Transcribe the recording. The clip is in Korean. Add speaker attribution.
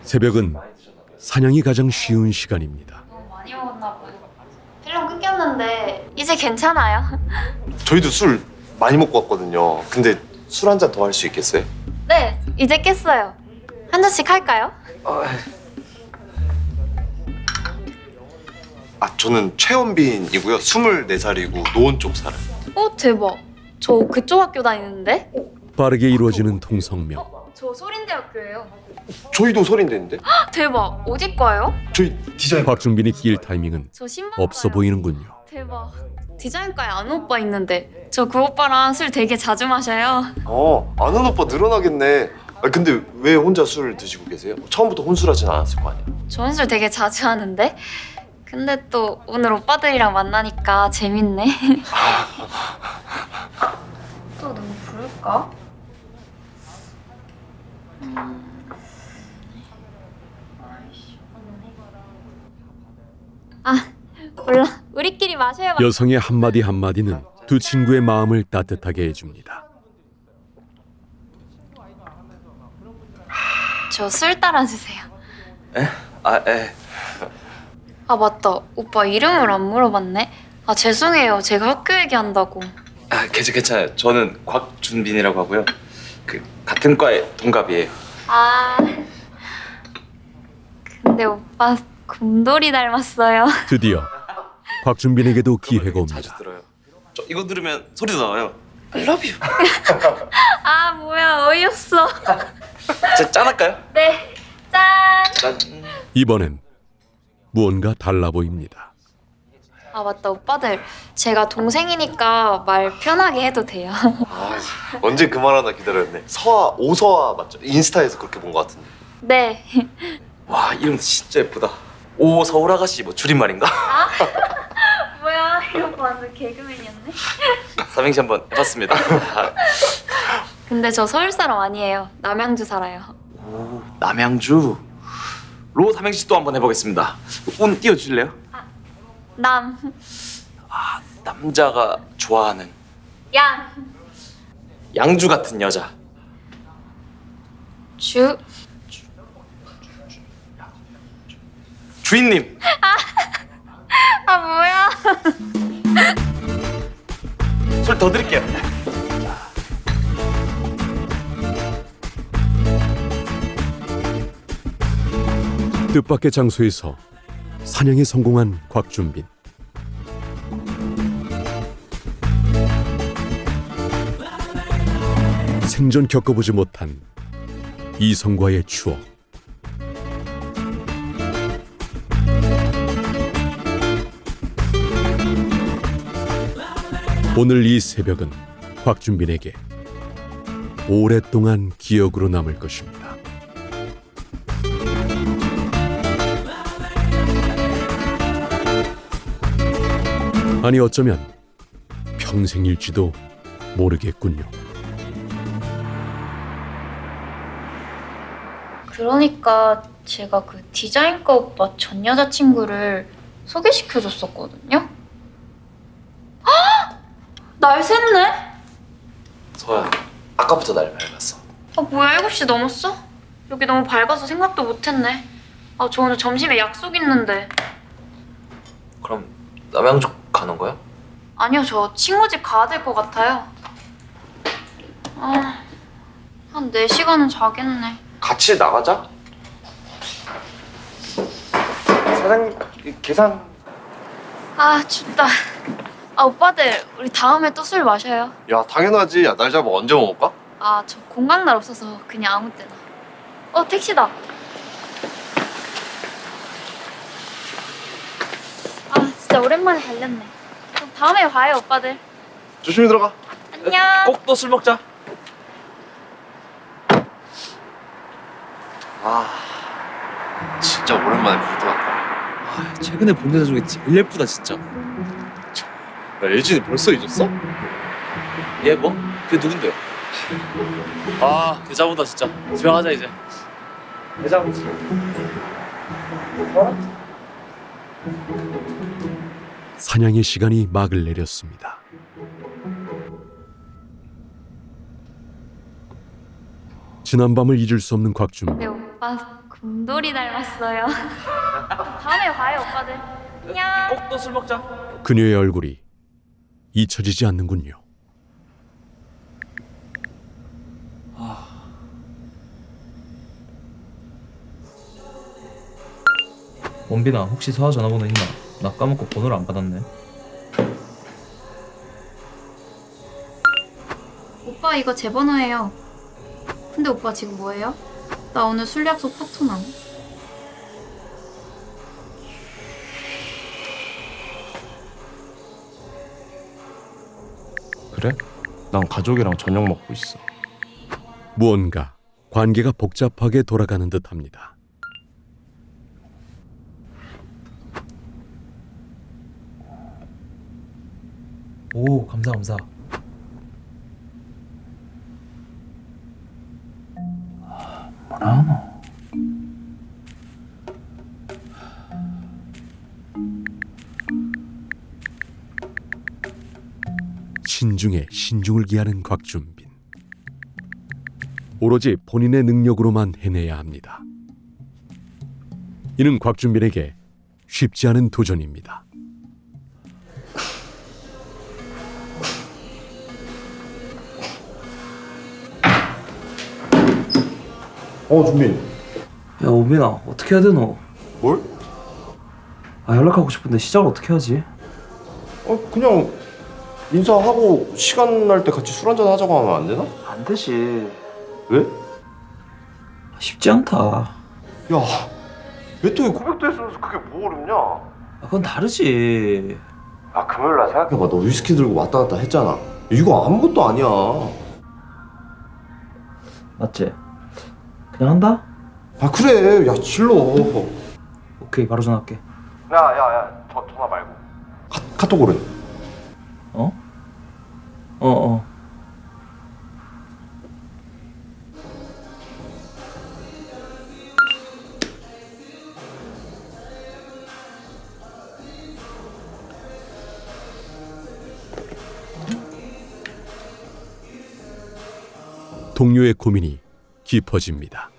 Speaker 1: 새벽은 사냥이 가장 쉬운 시간입니다.
Speaker 2: 너무 많이 먹었나 봐요. 필름 끊겼는데 이제 괜찮아요?
Speaker 3: 저희도 술 많이 먹고 왔거든요. 근데 술 한 잔 더 할 수 있겠어요?
Speaker 2: 네, 이제 깼어요. 한 잔씩 할까요?
Speaker 3: 저는 최원빈이고요. 24살이고 노원 쪽 살아요.
Speaker 2: 대박. 저 그쪽 학교 다니는데?
Speaker 1: 빠르게 이루어지는 통성명.
Speaker 2: 저 소린대학교예요.
Speaker 3: 저희도 소린대인데?
Speaker 2: 대박. 어디 과요?
Speaker 3: 저희 디자인
Speaker 1: 곽준빈이 낄 타이밍은
Speaker 2: 저 신방
Speaker 1: 없어
Speaker 2: 과요.
Speaker 1: 보이는군요.
Speaker 2: 대박. 디자인과에 아는 오빠 있는데 저 그 오빠랑 술 되게 자주 마셔요.
Speaker 3: 아는 오빠 늘어나겠네. 근데 왜 혼자 술 드시고 계세요? 처음부터 혼술하진 않았을 거 아니야?
Speaker 2: 저 술 되게 자주 하는데? 근데 또 오늘 오빠들이랑 만나니까 재밌네. 또 너무 부를까? 몰라. 우리끼리 마셔야
Speaker 1: 여성의 한마디 한마디는 두 친구의 마음을 따뜻하게 해줍니다.
Speaker 2: 저 술 따라주세요.
Speaker 3: 에?
Speaker 2: 아 맞다. 오빠 이름을 안 물어봤네. 아 죄송해요. 제가 학교 얘기한다고.
Speaker 4: 괜찮아요. 저는 곽준빈이라고 하고요. 같은 과의 동갑이에요.
Speaker 2: 아 근데 오빠 곰돌이 닮았어요.
Speaker 1: 드디어 곽준빈에게도 기회가
Speaker 4: 자주
Speaker 1: 옵니다.
Speaker 4: 들어요. 저 이거 들으면 소리도 나와요. I love you.
Speaker 2: 아 뭐야 어이없어.
Speaker 4: 자, 짠할까요?
Speaker 2: 네. 짠.
Speaker 4: 짠.
Speaker 1: 이번엔 무언가 달라 보입니다.
Speaker 2: 아 맞다 오빠들. 제가 동생이니까 말 편하게 해도 돼요.
Speaker 3: 언제 그 말 하나 기다렸네. 서아, 오서아 맞죠? 인스타에서 그렇게 본 것 같은데.
Speaker 2: 네.
Speaker 4: 와, 이름 진짜 예쁘다. 오 서울 아가씨 뭐 줄임말인가?
Speaker 2: 뭐야 이거 완전 개그맨이었네.
Speaker 4: 삼행시 한번 해봤습니다.
Speaker 2: 근데 저 서울 사람 아니에요. 남양주 살아요.
Speaker 4: 오, 남양주. 로 삼행시 또 한번 해보겠습니다. 운 띄워주실래요?
Speaker 2: 남.
Speaker 4: 남자가 좋아하는
Speaker 2: 양.
Speaker 4: 양주 같은 여자.
Speaker 2: 주.
Speaker 4: 주인님.
Speaker 2: 아 뭐야.
Speaker 4: 술 더 드릴게요.
Speaker 1: 뜻밖의 장소에서 사냥에 성공한 곽준빈. 생전 겪어보지 못한 이성과의 추억. 오늘 이 새벽은 곽준빈에게 오랫동안 기억으로 남을 것입니다. 아니 어쩌면 평생일지도 모르겠군요.
Speaker 2: 그러니까 제가 그 디자인과 오빠 전 여자친구를 소개시켜줬었거든요. 헉! 날 샜네?
Speaker 4: 서야, 아까부터 날 밟았어.
Speaker 2: 아 뭐야 7시 넘었어? 여기 너무 밝아서 생각도 못했네. 아 저 오늘 점심에 약속 있는데.
Speaker 4: 그럼 남양주 가는 거야?
Speaker 2: 아니요 저 친구 집 가야 될 것 같아요. 한 4시간은 자겠네.
Speaker 3: 같이 나가자. 사장님 계산.
Speaker 2: 아 춥다. 아 오빠들 우리 다음에 또 술 마셔요.
Speaker 3: 야 당연하지. 야, 날 잡아 언제 먹을까?
Speaker 2: 아 저 공강날 없어서 그냥 아무 때나. 택시다. 아 진짜 오랜만에 달렸네. 그럼 다음에 봐요 오빠들.
Speaker 3: 조심히 들어가.
Speaker 2: 안녕.
Speaker 4: 꼭 또 술 먹자.
Speaker 3: 진짜 오랜만에 부르다.
Speaker 4: 최근에 본 여자 중에 제일 예쁘다 진짜.
Speaker 3: 야 예진이 벌써 잊었어?
Speaker 4: 얘 뭐? 그게 누군데? 대자보다 진짜. 집에 가자 이제. 대자보지.
Speaker 1: 사냥의 시간이 막을 내렸습니다. 지난 밤을 잊을 수 없는 곽준빈.
Speaker 2: 네 오빠 곰돌이 닮았어요. 다음에 봐요, 오빠들. 안녕.
Speaker 4: 꼭 또 술 먹자.
Speaker 1: 그녀의 얼굴이 잊혀지지 않는군요.
Speaker 5: 원빈아, 혹시 서아 전화번호 있나? 나 까먹고 번호를 안 받았네.
Speaker 2: 오빠 이거 제 번호예요. 근데 오빠 지금 뭐해요? 나 오늘 술 약속 파토남.
Speaker 3: 그래? 난 가족이랑 저녁 먹고 있어.
Speaker 1: 무언가 관계가 복잡하게 돌아가는 듯합니다.
Speaker 5: 오, 감사.
Speaker 1: 신중에 신중을 기하는 곽준빈. 오로지 본인의 능력으로만 해내야 합니다. 이는 곽준빈에게 쉽지 않은 도전입니다.
Speaker 3: 준빈.
Speaker 5: 야, 원빈아, 어떻게 해야 되노?
Speaker 3: 뭘?
Speaker 5: 연락하고 싶은데 시작을 어떻게 하지?
Speaker 3: 그냥 인사하고 시간 날 때 같이 술 한잔 하자고 하면 안 되나?
Speaker 5: 안 되지.
Speaker 3: 왜?
Speaker 5: 쉽지 않다.
Speaker 3: 야, 왜 또 고백도 했으면서 그게 뭐 어렵냐?
Speaker 5: 그건 다르지.
Speaker 3: 금요일 날 생각해봐. 너 위스키 들고 왔다 갔다 했잖아. 이거 아무것도 아니야.
Speaker 5: 맞지? 그냥 한다?
Speaker 3: 그래. 야, 질러.
Speaker 5: 오케이, 바로 전화할게.
Speaker 3: 야, 전화 말고. 카톡으로.
Speaker 5: 어.
Speaker 1: 동료의 고민이 깊어집니다.